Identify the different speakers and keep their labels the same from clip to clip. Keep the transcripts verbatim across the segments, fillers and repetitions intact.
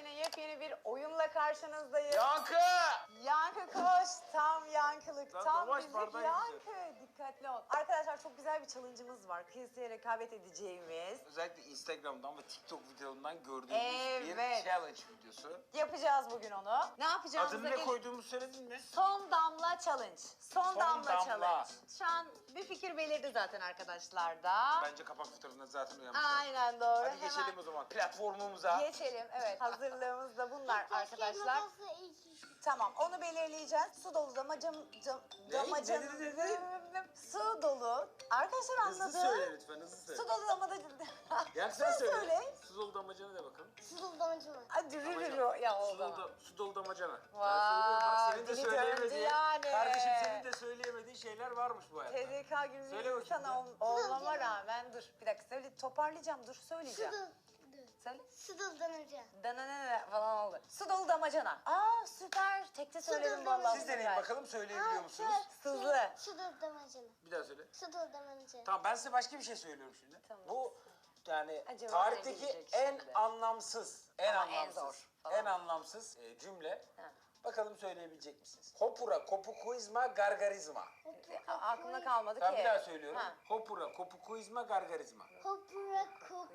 Speaker 1: yine yepyeni bir oyunla karşınızdayız.
Speaker 2: Yankı!
Speaker 1: Yankı koş, tam yankılık,
Speaker 2: Lan
Speaker 1: tam
Speaker 2: yavaş,
Speaker 1: bizlik
Speaker 2: bardağı
Speaker 1: yankı. Dikkatli ol. Arkadaşlar çok güzel bir challenge'ımız var. Kıyasıya rekabet edeceğimiz.
Speaker 2: Özellikle Instagram'dan ve TikTok videolarından gördüğümüz
Speaker 1: Evet.
Speaker 2: bir challenge videosu.
Speaker 1: Yapacağız bugün onu. Ne yapacağımıza
Speaker 2: Adını ne
Speaker 1: gel-
Speaker 2: koyduğumuzu söyledin mi?
Speaker 1: Son damla challenge. Son,
Speaker 2: Son
Speaker 1: damla,
Speaker 2: damla.
Speaker 1: challenge. Şu an bir fikir belirdi zaten arkadaşlar da.
Speaker 2: Bence kapak fotoğrafında zaten uyanmışlar.
Speaker 1: Aynen doğru.
Speaker 2: Hadi geçelim
Speaker 1: Hemen
Speaker 2: o zaman platformumuza.
Speaker 1: geçelim. Evet, hazırlığımız da bunlar arkadaşlar.
Speaker 3: Keşke ilk iş.
Speaker 1: Tamam, onu belirleyeceğiz. Su dolu damacam, cam,
Speaker 2: Ne?
Speaker 1: damacanı.
Speaker 2: Ne dedi, dedi?
Speaker 1: Su dolu. Arkadaşlar
Speaker 2: Hızlı
Speaker 1: anladı.
Speaker 2: söyle lütfen, hızlı söyle.
Speaker 1: Su dolu damacana.
Speaker 2: Yankı sen söyle.
Speaker 1: söyle.
Speaker 2: Su dolu damacana de bakalım.
Speaker 3: Sızıldamacı mı?
Speaker 1: Hadi rürürü ya
Speaker 2: Su
Speaker 1: oldu.
Speaker 2: dolu, da, su dolu damacana.
Speaker 1: Vay,
Speaker 2: Ben söylüyorum bak, senin de
Speaker 1: dili döndü
Speaker 2: söyleyemediğin,
Speaker 1: yani.
Speaker 2: kardeşim senin de söyleyemediğin şeyler varmış bu hayatta.
Speaker 1: T D K gibi
Speaker 2: Söyle
Speaker 1: bir
Speaker 2: bakayım
Speaker 1: sana ol-
Speaker 2: ya.
Speaker 1: olmama rağmen dur. Bir dakika söyle, toparlayacağım, dur söyleyeceğim.
Speaker 3: Sızıl.
Speaker 1: Söyle.
Speaker 3: Sızıldamacı.
Speaker 1: Dananana falan oldu. Su dolu damacana. Aa süper. Tekte söyledim
Speaker 3: dolu
Speaker 1: vallahi.
Speaker 2: Siz deneyin
Speaker 1: süper.
Speaker 2: bakalım söyleyebiliyor musunuz?
Speaker 1: Sızı.
Speaker 3: Sızıldamacı.
Speaker 2: Bir daha söyle.
Speaker 3: Sızıldamacı.
Speaker 2: Tamam ben size başka bir şey söylüyorum şimdi.
Speaker 1: Tamam.
Speaker 2: Bu yani
Speaker 1: Acaba
Speaker 2: tarihteki
Speaker 1: ne diyecek
Speaker 2: en
Speaker 1: şimdi?
Speaker 2: anlamsız, en
Speaker 1: Ama en
Speaker 2: anlamsız,
Speaker 1: zor falan.
Speaker 2: en anlamsız e, cümle.
Speaker 1: Ha.
Speaker 2: Bakalım söyleyebilecek misiniz? Hopura, kopukuizma, gargarizma.
Speaker 1: A- Aklımda kalmadı
Speaker 2: Ben
Speaker 1: ki.
Speaker 2: bir daha söylüyorum.
Speaker 1: Ha.
Speaker 2: Hopura, kopukuizma, gargarizma.
Speaker 3: Kopura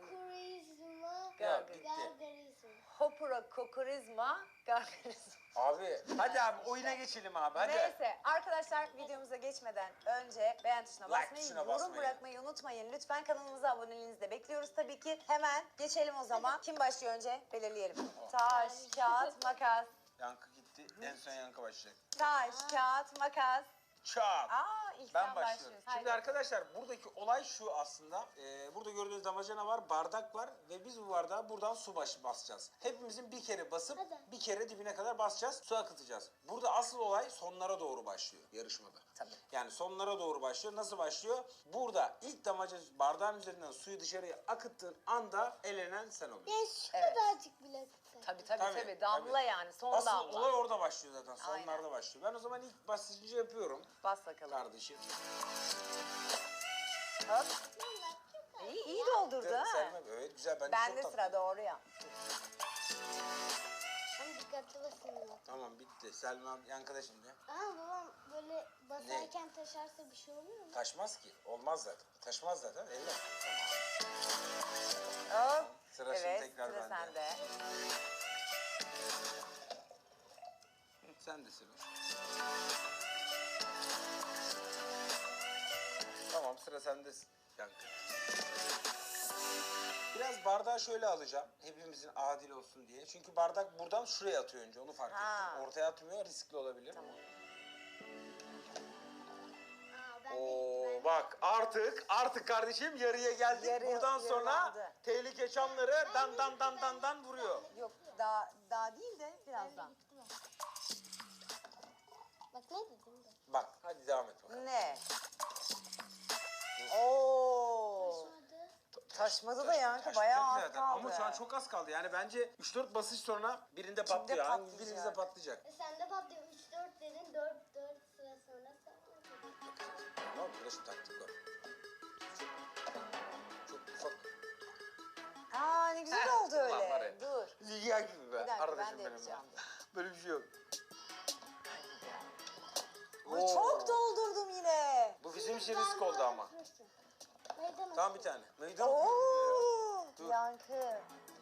Speaker 3: kokurizma.
Speaker 2: Ya, bitti.
Speaker 3: Gargarizma.
Speaker 1: Hopura kokorizma gargarizma.
Speaker 2: Abi hadi abi oyuna geçelim abi hadi.
Speaker 1: Neyse arkadaşlar, videomuza geçmeden önce beğen tuşuna
Speaker 2: Like
Speaker 1: basmayı,
Speaker 2: tuşuna
Speaker 1: yorum
Speaker 2: basmayı.
Speaker 1: bırakmayı unutmayın. Lütfen kanalımıza aboneliğinizi de bekliyoruz tabii ki. Hemen geçelim o zaman. Kim başlıyor önce? Belirleyelim. Taş, kağıt, makas.
Speaker 2: Yankı gitti. En son Yankı başlayacak.
Speaker 1: Taş, kağıt, makas.
Speaker 2: Çak.
Speaker 1: Aa ilk
Speaker 2: Ben
Speaker 1: sen
Speaker 2: başlıyorum.
Speaker 1: başlıyorsun.
Speaker 2: Şimdi
Speaker 1: Haydi.
Speaker 2: arkadaşlar buradaki olay şu aslında. Ee, burada gördüğünüz damacana var, bardak var ve biz bu bardağa buradan su baş basacağız. Hepimizin bir kere basıp
Speaker 3: Hadi.
Speaker 2: bir kere dibine kadar basacağız, su akıtacağız. Burada asıl olay sonlara doğru başlıyor yarışmada.
Speaker 1: Tabii.
Speaker 2: Yani sonlara doğru başlıyor. Nasıl başlıyor? Burada ilk damacana bardağın üzerinden suyu dışarıya akıttığın anda elenen sen oluyorsun.
Speaker 3: Ya şu
Speaker 1: Evet.
Speaker 3: kadarcık bile kısa.
Speaker 1: Tabii tabii
Speaker 2: Tabii,
Speaker 1: tabii. Damla
Speaker 2: tabii.
Speaker 1: yani son
Speaker 2: Asıl
Speaker 1: damla.
Speaker 2: olay orada başlıyor zaten. Sonlarda
Speaker 1: Aynen.
Speaker 2: başlıyor. Ben o zaman ilk basıncı yapıyorum.
Speaker 1: Bas bakalım.
Speaker 2: Kardeşim.
Speaker 1: Hop. İyi, iyi doldurdu
Speaker 2: Evet,
Speaker 1: ha.
Speaker 2: Selma, evet güzel. Bence
Speaker 1: Bende
Speaker 2: çok
Speaker 1: sıra
Speaker 2: tatlı.
Speaker 1: doğru ya.
Speaker 3: Ama dikkatli basın ya.
Speaker 2: Tamam bitti. Selma Yankı'da şimdi.
Speaker 3: Ama babam böyle basarken taşarsa bir şey oluyor mu?
Speaker 2: Taşmaz ki. Olmaz zaten. Taşmaz zaten. Elle.
Speaker 1: Hop.
Speaker 2: Sıra şimdi
Speaker 1: evet,
Speaker 2: tekrar
Speaker 1: sıra
Speaker 2: bende.
Speaker 1: sende.
Speaker 2: Sen de sıra. Tamam sıra sende Yankı. Biraz bardağı şöyle alacağım. Hepimizin adil olsun diye. Çünkü bardak buradan şuraya atıyor önce. Onu fark
Speaker 1: Ha.
Speaker 2: ettim. Ortaya atmıyor. Riskli olabilir.
Speaker 3: Aa, ben de
Speaker 2: Oo bak artık artık kardeşim yarıya geldik.
Speaker 1: Yarı-
Speaker 2: Buradan sonra
Speaker 1: yarılandı.
Speaker 2: tehlike çanları dan dan dan dan dan vuruyor.
Speaker 1: Yok daha daha değil de
Speaker 3: Ben de
Speaker 1: birazdan.
Speaker 3: gitti mi? Bak ne dedim de.
Speaker 2: Bak hadi devam et bakalım.
Speaker 1: Ne? Oo.
Speaker 3: Taşmadı.
Speaker 1: Taşmadı da Yankı,
Speaker 2: Taşmayacak
Speaker 1: bayağı az
Speaker 2: zaten.
Speaker 1: kaldı.
Speaker 2: Ama şu an çok az kaldı. Yani bence üç dört basış sonra birinde patlıyor. Hangi
Speaker 1: patlayacak?
Speaker 2: birinizde patlayacak.
Speaker 3: E sen de patlıyor. üç dört dedin. dört dört sıra sonra sen
Speaker 2: Ne oldu? Burada şu taktik var. Çok ufak.
Speaker 1: Aa ne güzel oldu
Speaker 2: Ulan var
Speaker 1: öyle.
Speaker 2: ya.
Speaker 1: Dur.
Speaker 2: Ziya gibi be.
Speaker 1: Bir dakika, ben
Speaker 2: Arkadaşım
Speaker 1: de
Speaker 2: benim.
Speaker 1: yapacağım.
Speaker 2: Böyle bir şey yok.
Speaker 1: Ay,
Speaker 2: Oo.
Speaker 1: çok doldurdum yine.
Speaker 2: Bu bizim için risk oldu ama.
Speaker 3: Meydan
Speaker 2: Tamam bir tane. Meydan
Speaker 1: Oo.
Speaker 2: okuyun ya. Dur.
Speaker 1: Yankı.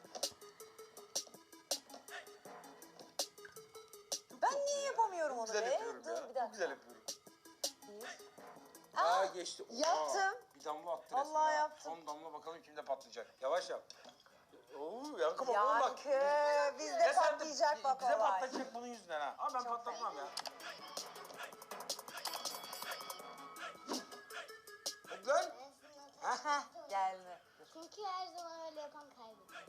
Speaker 1: Ben niye yapamıyorum onu
Speaker 2: Güzel
Speaker 1: be?
Speaker 2: yapıyorum
Speaker 1: Dur
Speaker 2: ya.
Speaker 1: bir
Speaker 2: Çok
Speaker 1: dakika.
Speaker 2: güzel yapıyorum.
Speaker 1: Bir.
Speaker 2: Aa,
Speaker 1: Aa,
Speaker 2: geçti. Oha,
Speaker 1: yaptım.
Speaker 2: Bir damla attı
Speaker 1: Vallahi
Speaker 2: resmen ha.
Speaker 1: yaptım.
Speaker 2: Son damla bakalım kimde patlayacak. Yavaş yap. Oo Yankı bak oğlum bak.
Speaker 1: Yankı bizde
Speaker 2: Ya sen de-
Speaker 1: patlayacak bak
Speaker 2: Bize
Speaker 1: olay.
Speaker 2: patlayacak bunun yüzünden ha. Ama ben
Speaker 1: Çok
Speaker 2: patlatmam ya. Hadi lan.
Speaker 1: Heh geldi.
Speaker 3: Çünkü her zaman öyle yapan kaybediyor.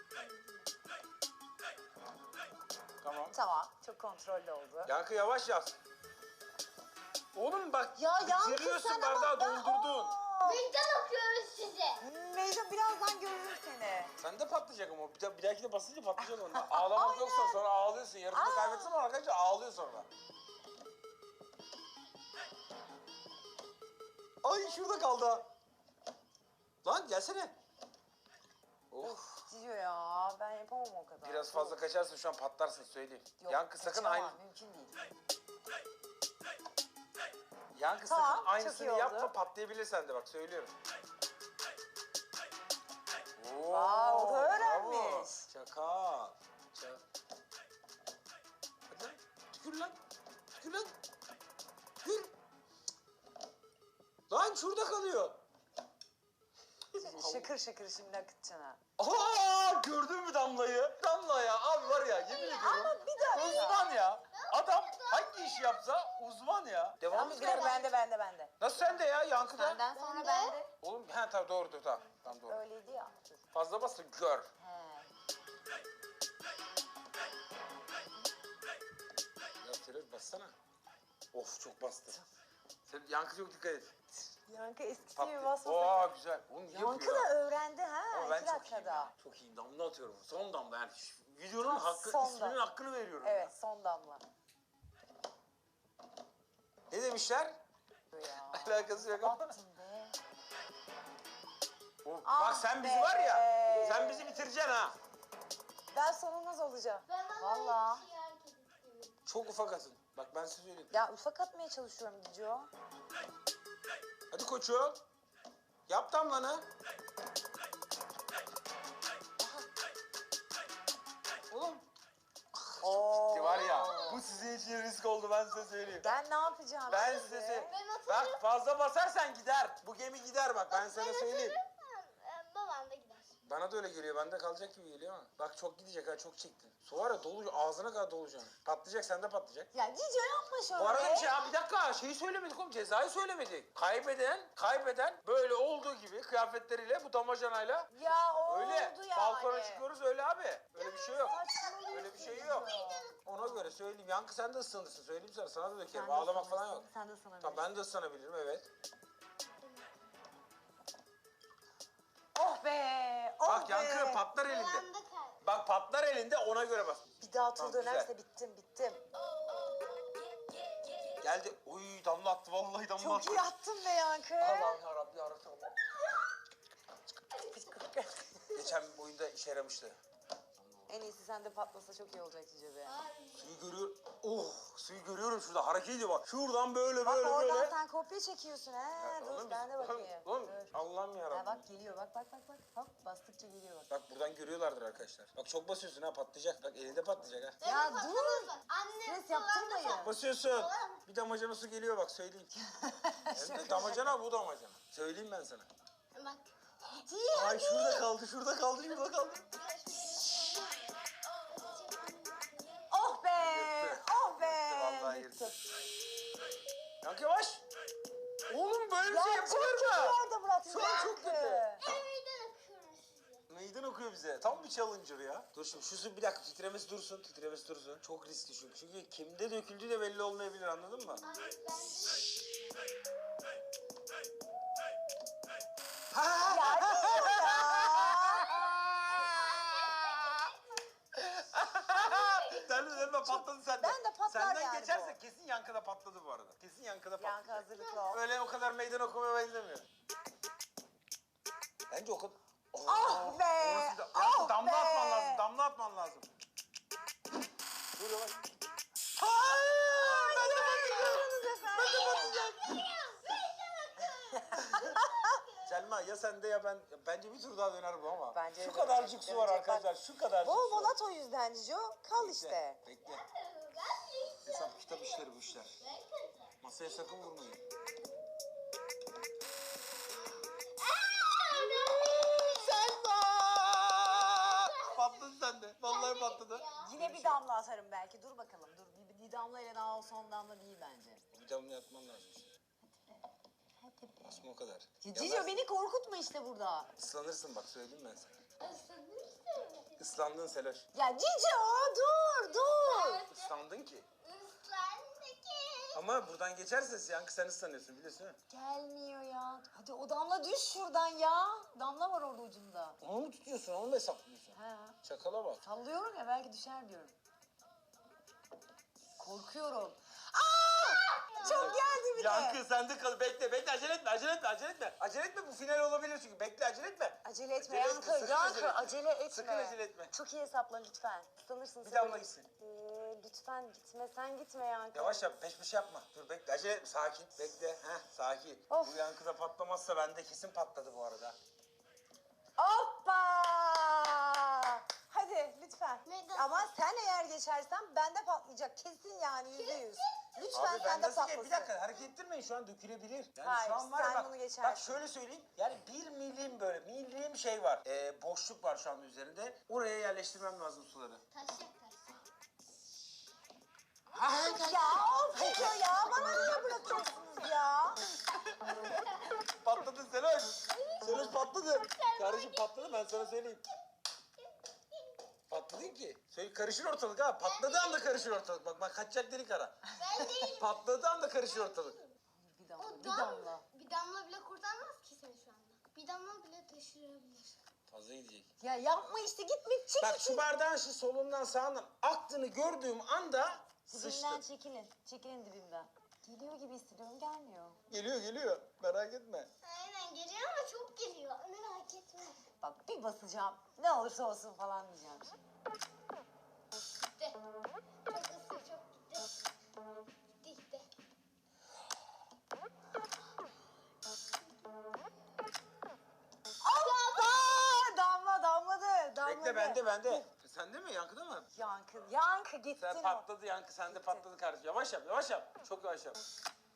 Speaker 2: Tamam.
Speaker 1: Tamam, çok kontrollü oldu.
Speaker 2: Yankı yavaş yaz. Oğlum bak
Speaker 1: Ya Yankı
Speaker 2: bitiriyorsun
Speaker 1: sen
Speaker 2: bardağı
Speaker 1: ama-
Speaker 2: doldurdun.
Speaker 1: Aa!
Speaker 3: Meydan okuyoruz size.
Speaker 1: Meydan birazdan görürüm seni.
Speaker 2: Sen de patlayacak ama bir, da- bir dahaki de basınca patlayacak onda. Ağlamak yoksa sonra ağlıyorsun. Yarısını
Speaker 1: Aa.
Speaker 2: kaybetsin ama arkadaşlar ağlıyor sonra. Ay şurada kaldı ha. Lan gelsene. Of.
Speaker 1: Cicio ya ben yapamam o kadar.
Speaker 2: Biraz fazla kaçarsa şu an patlarsın söyleyeyim.
Speaker 1: Yok,
Speaker 2: Yankı sakın
Speaker 1: kaçamam,
Speaker 2: aynı.
Speaker 1: mümkün değil.
Speaker 2: Yankı
Speaker 1: Tamam,
Speaker 2: sakın
Speaker 1: çok
Speaker 2: aynısını
Speaker 1: iyi oldu.
Speaker 2: yapma, patlayabilir sende bak söylüyorum. Oo,
Speaker 1: Vay, o da
Speaker 2: bravo.
Speaker 1: öğrenmiş.
Speaker 2: Çakal. Çak. Hadi lan. Tükür lan. Tükür lan. Tükür. Lan şurada kalıyor.
Speaker 1: Şakır şakır şimdi akıtacaksın ha.
Speaker 2: Aa, gördün mü Damla'yı? Damla ya abi var ya yemin ediyorum.
Speaker 1: Ama bir dakika.
Speaker 2: Uzman ya. Adam hangi iş yapsa uzman ya. Devam
Speaker 1: Tamam,
Speaker 2: et.
Speaker 1: bir dakika bende bende bende.
Speaker 2: Nasıl sende ya Yankı'da?
Speaker 1: Senden sonra
Speaker 3: Bende.
Speaker 1: bende.
Speaker 2: Oğlum he tamam doğru doğru tamam. Tamam doğru.
Speaker 1: Öyleydi ya. Dur.
Speaker 2: Fazla basın gör.
Speaker 1: He.
Speaker 2: Ya Terör bassana. Of çok bastı. Sen Yankı çok dikkat et.
Speaker 1: Yankı eskisi
Speaker 2: Pat-
Speaker 1: gibi basma
Speaker 2: Oo
Speaker 1: sakın.
Speaker 2: güzel. Oğlum iyi
Speaker 1: Yankı
Speaker 2: yapıyor.
Speaker 1: da öğrendi ha.
Speaker 2: Ama ben
Speaker 1: iki
Speaker 2: çok iyiyim
Speaker 1: dakikada.
Speaker 2: ya. Çok iyiyim. Damla atıyorum. Son damla yani. Şu videonun
Speaker 1: Ha,
Speaker 2: hakkı,
Speaker 1: son
Speaker 2: isminin
Speaker 1: damla.
Speaker 2: hakkını veriyorum.
Speaker 1: Evet son damla.
Speaker 2: Ne demişler?
Speaker 1: Ya.
Speaker 2: Alakası yok ama.
Speaker 1: Attın be.
Speaker 2: Of,
Speaker 1: Ah
Speaker 2: bak sen bizi
Speaker 1: be.
Speaker 2: var ya. Sen bizi bitireceksin ha.
Speaker 1: Ben sonunuz olacağım.
Speaker 3: Ben bana
Speaker 1: Vallahi.
Speaker 3: bir şey herkes istiyorum.
Speaker 2: Çok ufak atın. Bak ben size söyleyeyim.
Speaker 1: Ya ufak atmaya çalışıyorum Cicio.
Speaker 2: Hadi koçum. Yap damlanı. Oğlum.
Speaker 1: Oo.
Speaker 2: Gitti var ya. Bu sizin için risk oldu ben size söyleyeyim.
Speaker 1: Ben ne yapacağım?
Speaker 2: Ben
Speaker 1: şimdi?
Speaker 2: size söyleyeyim.
Speaker 3: Ben atarım.
Speaker 2: Bak fazla basarsan gider. Bu gemi gider bak ben sana söyleyeyim.
Speaker 3: Ee, Babam da gider.
Speaker 2: Bana da öyle geliyor. Bende kalacak gibi geliyor ama. Bak çok gidecek ha çok çektin. Su var ya dolu ağzına kadar dolacak. Patlayacak sende patlayacak.
Speaker 1: Ya Cicio yapma şöyle.
Speaker 2: Bu arada bir şey ya bir dakika şeyi söylemedik oğlum cezayı söylemedik. Kaybeden kaybeden böyle olduğu gibi kıyafetleriyle bu damacanayla
Speaker 1: Ya o
Speaker 2: öyle
Speaker 1: oldu yani.
Speaker 2: balkona çıkıyoruz öyle abi. Öyle bir şey yok.
Speaker 1: Saçmalıyorsun
Speaker 2: Öyle bir şey yok.
Speaker 1: Cicio.
Speaker 2: Ona göre söyleyeyim. Yankı sen de ısınırsın söyleyeyim sana. Sana da dökerim.
Speaker 1: Sen de
Speaker 2: Ağlamak falan
Speaker 1: ısınırsın,
Speaker 2: yok.
Speaker 1: Sen de ısınabilirsin.
Speaker 2: Tamam ben de ısınabilirim evet.
Speaker 1: Oh be. Oh
Speaker 2: Bak
Speaker 1: be.
Speaker 2: Yankı patlar elinde.
Speaker 3: Babam da kay.
Speaker 2: Bak patlar elinde ona göre bas.
Speaker 1: Bir daha tur
Speaker 2: Tamam,
Speaker 1: dönerse
Speaker 2: güzel.
Speaker 1: bittim bittim.
Speaker 2: Geldi. Oy damla attı vallahi damla
Speaker 1: Çok
Speaker 2: attı.
Speaker 1: iyi attın be Yankı.
Speaker 2: Allah'ım yarabbim yarabbim. Geçen oyunda işe yaramıştı.
Speaker 1: En iyisi sende patlasa çok iyi olacak Cicio be.
Speaker 2: Suyu görüyor. Oh suyu görüyorum şurada hareket ediyor bak. Şuradan böyle
Speaker 1: Bak
Speaker 2: böyle
Speaker 1: oradan
Speaker 2: böyle.
Speaker 1: sen kopya çekiyorsun ha.
Speaker 2: Ya
Speaker 1: Dur
Speaker 2: oğlum
Speaker 1: ben de
Speaker 2: biz-
Speaker 1: bakayım.
Speaker 2: Oğlum
Speaker 1: Dur.
Speaker 2: Allah'ım
Speaker 1: Ha,
Speaker 2: yarabbim.
Speaker 1: bak geliyor bak bak bak bak. Hop bastıkça geliyor bak.
Speaker 2: Bak buradan görüyorlardır arkadaşlar. Bak çok basıyorsun ha patlayacak. Bak elinde patlayacak ha.
Speaker 1: Ya
Speaker 3: Evet,
Speaker 1: dur.
Speaker 3: patlamaz. Anne
Speaker 1: Stres
Speaker 3: babam da
Speaker 1: yaptırmayın.
Speaker 3: patlamaz.
Speaker 2: Basıyorsun. Bir damacana su geliyor bak söyleyeyim. Hem de damacana bu damacana. Söyleyeyim ben sana.
Speaker 3: Bak.
Speaker 1: Cici
Speaker 2: Ay şurada kaldı şurada kaldı şurada kaldı.
Speaker 1: Oh be.
Speaker 2: Gitti.
Speaker 1: Oh be.
Speaker 2: Gitti, vallahi
Speaker 1: Gitti.
Speaker 2: Yankı yavaş. Oğlum böyle bir
Speaker 1: Ya
Speaker 2: şey
Speaker 1: çok
Speaker 2: yapılır
Speaker 1: kötü
Speaker 2: mı?
Speaker 1: yerde bıraktın
Speaker 2: Şu an çok
Speaker 1: Yankı.
Speaker 2: kötü.
Speaker 3: Meydan okuyorum size.
Speaker 2: Meydan okuyor bize. Tam bir challenger ya. Dur şimdi şu su bir dakika titremesi dursun. Titremesi dursun. Çok riskli çünkü. Çünkü kimde döküldüğü de belli olmayabilir anladın mı?
Speaker 3: Anne ben
Speaker 2: Ha!
Speaker 1: Ya Cicio ya.
Speaker 2: Sen de sen patladı sende.
Speaker 1: Ben de patlar
Speaker 2: Senden
Speaker 1: yani
Speaker 2: geçerse
Speaker 1: bu.
Speaker 2: kesin yankıda patladı bu arada. Kesin yankıda patladı.
Speaker 1: Yankı hazırlıklı ol.
Speaker 2: Öyle o kadar meydan okumaya benzemiyor. Bence o kadar...
Speaker 1: Ah be,
Speaker 2: Orası da-
Speaker 1: ah
Speaker 2: Yankı damla
Speaker 1: be.
Speaker 2: atman lazım. Damla atman lazım. Dur yavaş.
Speaker 1: Ay, görüyorsunuz efendim.
Speaker 2: Selma ya sende ya ben. Bence bir tur daha döner bu ama.
Speaker 1: Bence
Speaker 2: şu
Speaker 1: de
Speaker 2: kadarcık
Speaker 1: dönecek,
Speaker 2: su var
Speaker 1: dönecek.
Speaker 2: arkadaşlar. Şu kadarcık
Speaker 1: Bol
Speaker 2: su
Speaker 1: bol
Speaker 2: var.
Speaker 1: at o yüzden Cicio. Kal işte.
Speaker 2: Bekle. Hesap kitap işleri bu işler. Masaya sakın vurmayın. Selma! Patladı sende. Vallahi patladı.
Speaker 1: Yine bir damla atarım belki. Dur bakalım. Dur bir, bir damla ile daha o son damla değil bence.
Speaker 2: Bir damla yatman lazım işte. Basma o kadar.
Speaker 1: Ya
Speaker 2: Ya
Speaker 1: Cicio
Speaker 2: ben-
Speaker 1: beni korkutma işte burada.
Speaker 2: Islanırsın bak söyleyeyim ben sana.
Speaker 3: ıslanırsın.
Speaker 2: Islandın Seloş.
Speaker 1: Ya Cicio dur dur.
Speaker 2: Islandın ki.
Speaker 3: Islandı ki.
Speaker 2: Ama buradan geçerse yankı sen ıslanıyorsun biliyorsun değil mi?
Speaker 1: Gelmiyor ya. Hadi o damla düş şuradan ya. Damla var orada ucunda.
Speaker 2: Onu mu tutuyorsun onu mu hesaplıyorsun?
Speaker 1: Ha.
Speaker 2: Çakala bak.
Speaker 1: Sallıyorum ya belki düşer diyorum. Korkuyorum. Aa! Çok geldi bir de.
Speaker 2: Yankı sende kal. Bekle bekle acele etme acele etme acele etme. Acele etme bu final olabilir çünkü. Bekle acele etme.
Speaker 1: Acele etme
Speaker 2: Acele
Speaker 1: Yankı.
Speaker 2: etme, sakın
Speaker 1: Yankı
Speaker 2: acele etme.
Speaker 1: acele etme.
Speaker 2: Sakın acele etme.
Speaker 1: Çok iyi hesapla lütfen. Sanırsın
Speaker 2: Bir damla gitsin.
Speaker 1: Ee, lütfen gitme sen gitme Yankı.
Speaker 2: Yavaş yap peş peşe yapma. Dur bekle acele etme sakin. Bekle. Heh sakin.
Speaker 1: Of.
Speaker 2: Bu yankıda patlamazsa bende kesin patladı bu arada.
Speaker 1: Hoppa! Hadi lütfen.
Speaker 3: Mega.
Speaker 1: Ama sen eğer geçersen bende patlayacak. Kesin yani yüzde yüz. Lütfen
Speaker 2: Abi ben
Speaker 1: sende
Speaker 2: nasıl
Speaker 1: patlasın.
Speaker 2: bir dakika hareket ettirmeyin şu an dökülebilir. Yani
Speaker 1: Hayır,
Speaker 2: şu an var
Speaker 1: sen
Speaker 2: ya bak,
Speaker 1: bunu geçersin.
Speaker 2: bak şöyle söyleyeyim. Yani bir milim böyle milim şey var. Ee, boşluk var şu anda üzerinde. Oraya yerleştirmem lazım suları.
Speaker 3: Taşacak taşacak.
Speaker 1: Ya of Ece ya bana niye bırakıyorsunuz ya?
Speaker 2: Patladı Seloş. Seloş patladı. Kardeşim patladı ben sana söyleyeyim. Patladın ki. Söyle karışır ortalık ha. Patladığı anda karışır ortalık. Bak bak kaçacak delik ara.
Speaker 3: Ben değilim.
Speaker 2: Patladığı anda karışır ortalık.
Speaker 1: Bir damla,
Speaker 3: O
Speaker 1: bir
Speaker 3: dam-
Speaker 1: damla.
Speaker 3: Bir damla bile kurtarmaz ki seni şu anda. Bir damla bile taşırabilir.
Speaker 2: Fazla gidecek.
Speaker 1: Ya yapma işte gitme çek
Speaker 2: Bak şu bardağın şu solundan sağından aktığını gördüğüm anda
Speaker 1: Dibimden
Speaker 2: sıçtım.
Speaker 1: çekilin. Çekilin dibimden. Geliyor gibi hissediyorum gelmiyor.
Speaker 2: Geliyor geliyor. Merak etme.
Speaker 3: Aynen geliyor ama çok geliyor. Merak etme.
Speaker 1: Bak bir basacağım. Ne olursa olsun falan diyeceğim şimdi.
Speaker 3: Gitti. Çok ısır çok gitti. Gitti gitti.
Speaker 1: Aa, damla damladı. Damladı.
Speaker 2: Bekle bende bende. Sende mi yankıda mı?
Speaker 1: Yankı, yankı gittin
Speaker 2: Sen
Speaker 1: o.
Speaker 2: patladı yankı sende patladı kardeşim. Yavaş yap yavaş yap. Çok yavaş yap.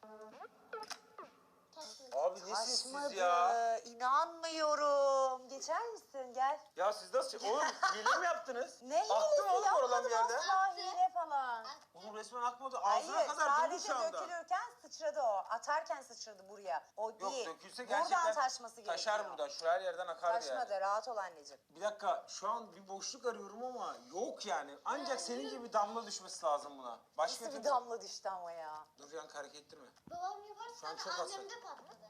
Speaker 3: Taşmadı.
Speaker 2: Abi nesiniz
Speaker 1: Taşmadı.
Speaker 2: siz ya?
Speaker 1: İnanmıyorum. Geçer misin? Gel.
Speaker 2: Ya siz nasıl... Oğlum hile mi yaptınız?
Speaker 1: Ne hilesi
Speaker 2: Aktı mı oğlum oradan bir
Speaker 1: yapmadım
Speaker 2: yerden?
Speaker 1: asla hile falan.
Speaker 2: Oğlum resmen akmadı. Ağzına
Speaker 1: Hayır
Speaker 2: kadar dolu
Speaker 1: sadece
Speaker 2: şu anda.
Speaker 1: dökülürken sıçradı o. Atarken sıçradı buraya. O
Speaker 2: Yok
Speaker 1: değil.
Speaker 2: dökülse gerçekten
Speaker 1: Buradan taşması gerekiyor.
Speaker 2: taşar buradan. Şu her yerden akardı
Speaker 1: Taşmadı
Speaker 2: yani.
Speaker 1: rahat ol anneciğim.
Speaker 2: Bir dakika şu an bir boşluk arıyorum ama yok yani. Ancak senin gibi damla düşmesi lazım buna. Başka
Speaker 1: Nasıl bir
Speaker 2: türlü-
Speaker 1: damla düştü ama ya.
Speaker 2: Dur yankı hareket ettirme.
Speaker 3: Babam
Speaker 2: Şu an
Speaker 3: yaparsa
Speaker 2: çok
Speaker 3: da
Speaker 2: hasar.
Speaker 3: annemde patladı.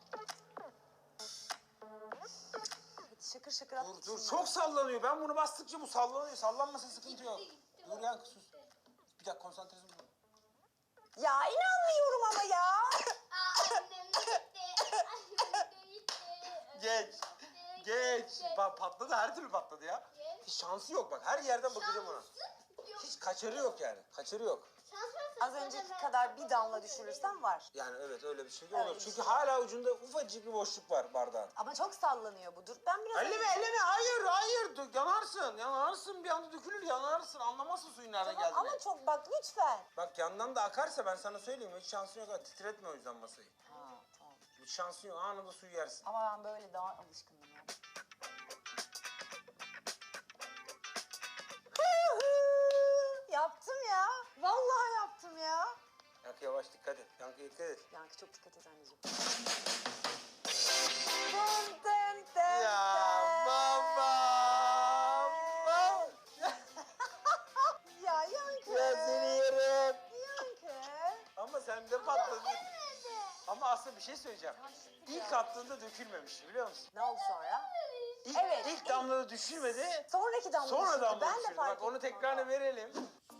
Speaker 1: Hadi şakır şakır
Speaker 2: Dur
Speaker 1: at.
Speaker 2: dur
Speaker 1: şunları.
Speaker 2: çok sallanıyor. Ben bunu bastıkça bu sallanıyor. Sallanmasa sıkıntı yok.
Speaker 3: Gitti, gitti,
Speaker 2: Dur
Speaker 3: bak,
Speaker 2: yankı sus.
Speaker 3: gitti.
Speaker 2: Bir dakika konsantrasyon bul.
Speaker 1: Ya inanmıyorum ama ya.
Speaker 3: Aa, annem de gitti. Annem de gitti.
Speaker 2: Geç.
Speaker 3: Annem de
Speaker 2: Geç.
Speaker 3: gitti.
Speaker 2: Bak patladı her türlü patladı ya.
Speaker 3: Geç.
Speaker 2: Hiç şansı yok bak. Her yerden bakacağım ona.
Speaker 3: Şansı yok.
Speaker 2: Hiç kaçarı yok yani. Kaçarı yok.
Speaker 3: Şans varsa
Speaker 1: Az
Speaker 3: zaten
Speaker 1: önceki
Speaker 3: ben-
Speaker 1: kadar bir damla düşürürsem var.
Speaker 2: Yani evet öyle bir şey
Speaker 1: Öyle
Speaker 2: olur.
Speaker 1: bir
Speaker 2: Çünkü
Speaker 1: şey.
Speaker 2: hala ucunda ufacık bir boşluk var bardağın.
Speaker 1: Ama çok sallanıyor bu. Dur ben biraz...
Speaker 2: Elleme elleme hayır hayır Dö- yanarsın yanarsın bir anda dökülür yanarsın anlamazsın suyun nereden
Speaker 1: Tamam,
Speaker 2: geldiğini.
Speaker 1: ama çok bak lütfen.
Speaker 2: Bak yandan da akarsa ben sana söyleyeyim hiç şansın yok ha titretme o yüzden masayı.
Speaker 1: Ha tamam.
Speaker 2: Hiç şansın yok anında suyu yersin.
Speaker 1: Ama ben böyle daha alışkınım ya. Yaptım ya. Vallahi yaptım ya.
Speaker 2: Yankı yavaş dikkat et Yankı dikkat et.
Speaker 1: Yankı çok dikkat et anneciğim. Dın dın dın
Speaker 2: Ya
Speaker 1: dın.
Speaker 2: baba.
Speaker 1: Ya Yankı.
Speaker 2: Ya seni yerim.
Speaker 1: Yankı.
Speaker 2: Ama sen de patladın.
Speaker 3: Nerede?
Speaker 2: Ama aslında bir şey söyleyeceğim.
Speaker 1: Taştı
Speaker 2: İlk
Speaker 1: ya.
Speaker 2: attığında dökülmemiş biliyor musun?
Speaker 1: Ne oldu sonra?
Speaker 2: İlk,
Speaker 1: Evet,
Speaker 2: ilk
Speaker 1: ilk-
Speaker 2: damlada düşürmedi.
Speaker 1: Sonraki damla
Speaker 2: Sonra
Speaker 1: düşürdü.
Speaker 2: damla
Speaker 1: Ben de
Speaker 2: düşürdü.
Speaker 1: fark
Speaker 2: Bak onu
Speaker 1: ettim
Speaker 2: tekrarını
Speaker 1: onu.
Speaker 2: verelim.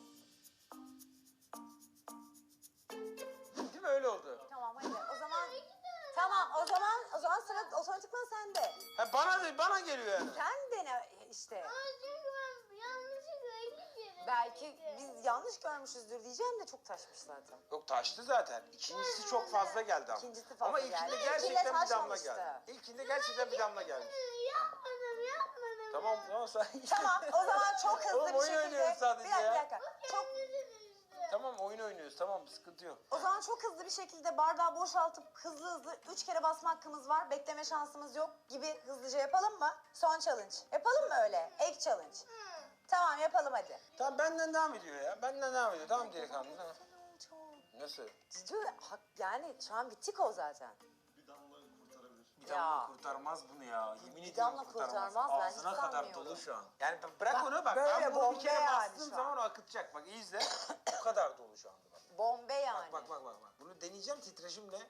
Speaker 2: Değil mi öyle oldu?
Speaker 1: Tamam hadi o zaman. Tamam o zaman o zaman sıra otomatikman sende.
Speaker 2: Ha bana de bana geliyor yani.
Speaker 1: Sen dene işte.
Speaker 3: Aa, çünkü ben yanlışlıkla ilk kere
Speaker 1: Belki
Speaker 3: dedim.
Speaker 1: biz yanlış görmüşüzdür diyeceğim de çok taşmış zaten.
Speaker 2: Yok taştı zaten. İkincisi çok fazla geldi ama.
Speaker 1: İkincisi fazla
Speaker 2: ama
Speaker 1: geldi.
Speaker 2: ilkinde
Speaker 1: İlkinde
Speaker 2: gerçekten bir damla
Speaker 1: taşmamıştı.
Speaker 2: geldi. İlkinde gerçekten bir damla gelmiş.
Speaker 3: Yapmadım yapmadım.
Speaker 2: Tamam tamam sen.
Speaker 1: Tamam o zaman çok hızlı
Speaker 2: Oğlum,
Speaker 1: bir
Speaker 2: oyun
Speaker 1: şekilde.
Speaker 2: oynuyoruz sadece
Speaker 1: bir dakika,
Speaker 2: ya.
Speaker 1: bir dakika. Çok,
Speaker 2: Tamam oyun oynuyoruz tamam sıkıntı yok.
Speaker 1: o zaman çok hızlı bir şekilde bardağı boşaltıp hızlı hızlı üç kere basma hakkımız var. Bekleme şansımız yok gibi hızlıca yapalım mı? Son challenge. Yapalım mı öyle? Ek challenge. Tamam yapalım hadi.
Speaker 2: Tamam benden devam ediyor ya. Benden devam ediyor. Tamam delikanlı. Tamam.
Speaker 1: Çok.
Speaker 2: Nasıl?
Speaker 1: Cici, hak- yani şu an bittik o zaten.
Speaker 4: Bir damla kurtarabilir.
Speaker 2: Bir
Speaker 1: Ya.
Speaker 2: damla kurtarmaz bunu ya. Yemin
Speaker 1: Bir
Speaker 2: ediyorum
Speaker 1: damla
Speaker 2: kurtarmaz.
Speaker 1: kurtarmaz, ben hiç
Speaker 2: Ağzına kadar
Speaker 1: sanmıyorum.
Speaker 2: dolu şu an. Yani b- bırak
Speaker 1: Bak,
Speaker 2: onu bak.
Speaker 1: böyle
Speaker 2: Ben bunu bir
Speaker 1: bombe
Speaker 2: kere
Speaker 1: yani
Speaker 2: bastığım
Speaker 1: şu
Speaker 2: zaman
Speaker 1: an.
Speaker 2: o akıtacak. Bak iyi izle. Bu kadar dolu şu anda bak.
Speaker 1: Bombe yani.
Speaker 2: Bak bak bak bak. Bunu deneyeceğim titreşimle.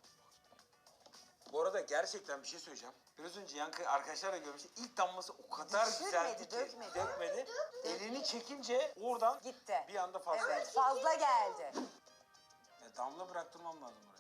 Speaker 2: Bu arada gerçekten bir şey söyleyeceğim. Biraz önce Yankı arkadaşlar da görmüş. İlk damlası o kadar
Speaker 1: Düşürmedi,
Speaker 2: güzeldi ki.
Speaker 1: dökmedi.
Speaker 2: Dökmedi. Elini çekince oradan
Speaker 1: Gitti.
Speaker 2: bir anda fazla.
Speaker 1: Evet fazla geldi.
Speaker 2: Ya damla bıraktırmam lazım oraya.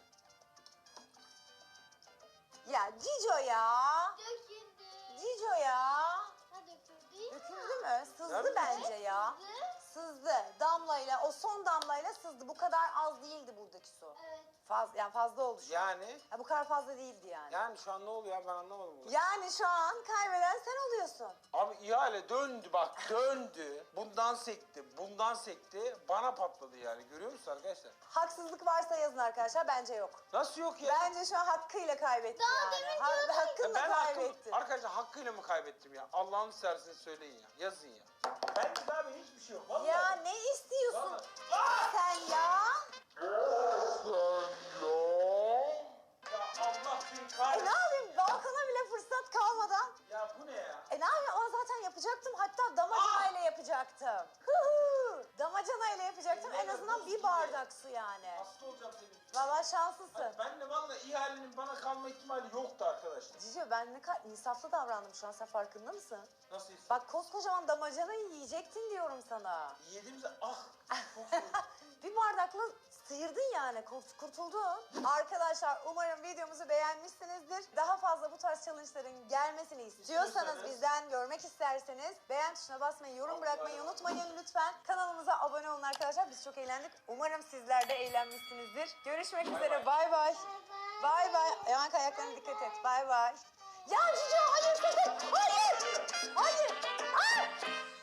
Speaker 1: Ya Cico ya.
Speaker 3: Döküldü.
Speaker 1: Cico ya.
Speaker 3: Ha döküldü ya.
Speaker 1: Döküldü mü? Sızdı
Speaker 2: Nerede?
Speaker 1: bence ya. Sızdı. Damlayla, o son damlayla sızdı. Bu kadar az değildi buradaki su.
Speaker 3: Evet.
Speaker 1: Faz, yani fazla oldu şu an.
Speaker 2: Yani
Speaker 1: Ya bu kadar fazla değildi yani.
Speaker 2: yani şu an ne oluyor ya ben anlamadım bunu.
Speaker 1: Yani şu an kaybeden sen oluyorsun.
Speaker 2: Abi ihale döndü bak döndü. Bundan sekti, bundan sekti. Bana patladı yani. Görüyor musun arkadaşlar?
Speaker 1: Haksızlık varsa yazın arkadaşlar. Bence yok.
Speaker 2: Nasıl yok ya?
Speaker 1: Bence şu an hakkıyla kaybetti
Speaker 3: Daha
Speaker 1: yani.
Speaker 3: demin
Speaker 1: Ha,
Speaker 3: diyordun.
Speaker 2: Ya
Speaker 1: hakkınla
Speaker 2: ben hakkım,
Speaker 1: kaybettin.
Speaker 2: arkadaşlar hakkıyla mı kaybettim ya? Allah'ını seversiniz söyleyin ya. Yazın ya. Ben de abi hiçbir şey yok. Vallahi.
Speaker 1: Ya ne istiyorsun
Speaker 2: Vallahi.
Speaker 1: sen ya?
Speaker 2: Ya Allah seni
Speaker 1: E ne
Speaker 2: kahretsin.
Speaker 1: yapayım? Balkona bile fırsat kalmadan.
Speaker 2: Ya bu ne ya?
Speaker 1: E ne yapayım? Ama zaten yapacaktım. Hatta damacanayla yapacaktım. Huhu! Damacanayla yapacaktım. En azından bir bardak su yani.
Speaker 2: Hasta olacağım senin.
Speaker 1: Valla şanslısın.
Speaker 2: Ben de vallahi ihalenin bana kalma ihtimali yoktu arkadaşlar.
Speaker 1: Cicio ben ne kadar insaflı davrandım şu an. Sen farkında mısın?
Speaker 2: Nasıl his?
Speaker 1: Bak koskocaman damacanayı yiyecektin diyorum sana.
Speaker 2: Yediğimizde ah. Çok soğuk.
Speaker 1: Bir bardakla sıyırdın yani, kurt- kurtuldun. Arkadaşlar umarım videomuzu beğenmişsinizdir. Daha fazla bu tarz challenge'ların gelmesini istiyorsanız,
Speaker 2: İstiyorsanız,
Speaker 1: bizden görmek isterseniz beğen tuşuna basmayı, yorum bırakmayı unutmayın lütfen. Kanalımıza abone olun arkadaşlar. Biz çok eğlendik. Umarım sizler de eğlenmişsinizdir. Görüşmek üzere. Bay bay. Bay bay. Yaman ayaklarına dikkat et. Bay bay. Ya Cicio hayır sakın. Hayır. Hayır. Aa!